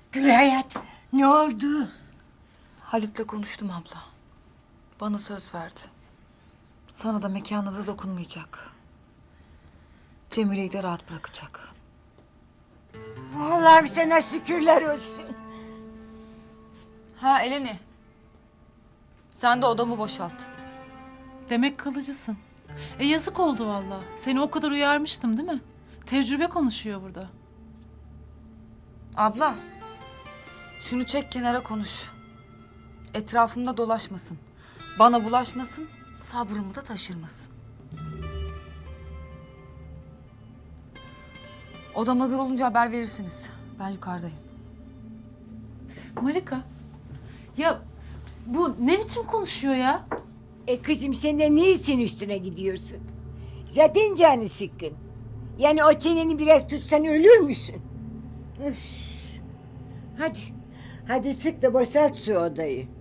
Gülayat, ne oldu? Halit'le konuştum abla. Bana söz verdi. Sana da mekana da dokunmayacak. Cemile'yi de rahat bırakacak. Allah'ım sana şükürler olsun. Ha Eleni. Sen de odamı boşalt. Demek kalıcısın. Yazık oldu valla. Seni o kadar uyarmıştım değil mi? Tecrübe konuşuyor burada. Abla. Şunu çek kenara konuş. Etrafımda dolaşmasın. Bana bulaşmasın. Sabrımı da taşırmasın. Odam hazır olunca haber verirsiniz. Ben yukarıdayım. Marika. Ya bu ne biçim konuşuyor ya? Kızım sen de niçin üstüne gidiyorsun? Zaten canı sıkkın. Yani o çeneni biraz tutsan ölür müsün? Üf. Hadi. Hadi sık da boşalt şu odayı.